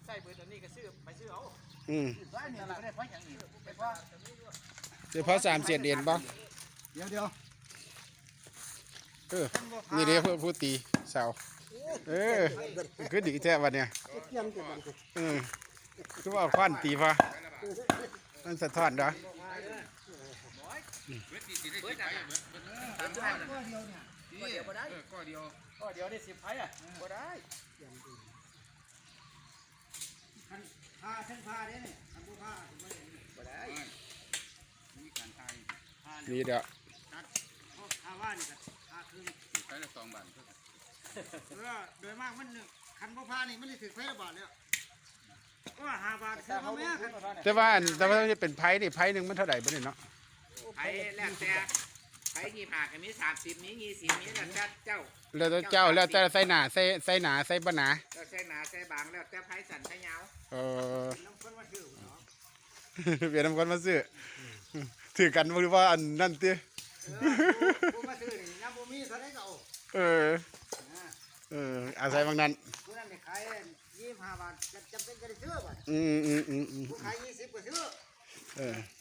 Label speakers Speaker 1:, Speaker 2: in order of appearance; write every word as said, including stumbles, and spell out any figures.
Speaker 1: ส่เบอร์ตัวนี้ก็ซื้อไปซื้อเอา
Speaker 2: อืม
Speaker 1: ร้านนี้ไม่ได้เพราะอย่างนี้เป็นเพราะ
Speaker 2: เฉพาะสามเศษเด่นป่ะ
Speaker 3: เดี๋ยวเดี๋ยว
Speaker 2: เออนี่เด้ผู้ผู้ตีเสาเออคือดีแท้วันเนี้ยเออคือว่าควันตีป่ะมันสะท้อนเด้อ
Speaker 1: ก็เดียวก็ได้ก็เดียวก็เดียวได้สิบไผ่อ่ะก็ได้
Speaker 3: ผ้าเส้นผ้าเนี่ยนี่ทำผ้า
Speaker 1: ก็ได้
Speaker 3: มีการทาย
Speaker 2: นี่เด้อ
Speaker 3: ผ้าว่านนี่ผ้าคือ
Speaker 1: ใช้ละสองบาท
Speaker 3: เออโดยมากมันคันผ้านี่มันได้ถึงไผ่ละบาทแล้วก็ห้าบาทคือเขาแม่
Speaker 2: แต่ว่าแต่ว่าจะเป็นไผ่นี่ไผ่หนึ่งมันเท่าไหร่บ่เนี่ยเนาะ
Speaker 1: ไผ่แล้วแต่ไผ่ยี่ห้าก็มีสามสิบมียี่สิบมีแล้วแต่เจ้า
Speaker 2: แล้วแต่เจ้าแล้วแต่ใส่หนาใส่ใส่หนาใส่บ่หนา
Speaker 1: แล้วใส่หนาใส่บางแล้วแต่ไผ่สั่นไผ่ยาว
Speaker 2: เออเปลี่ยนน้ำคนมาซื้อถือกันหรือว่าอันนั่นติ
Speaker 3: ผมมาซื้อนี่น้ำบ่มีเท่าไหร่ก็เอา
Speaker 2: เออเอออาศัยบางนั้น
Speaker 3: ผู้นั้นขายยี่สิบห้าบาทจำเป็นจะได้ซื้อบ่
Speaker 2: อืมอืมอืมอืม
Speaker 3: ผู้ขายยี่สิบก็ซื้อ
Speaker 2: เออ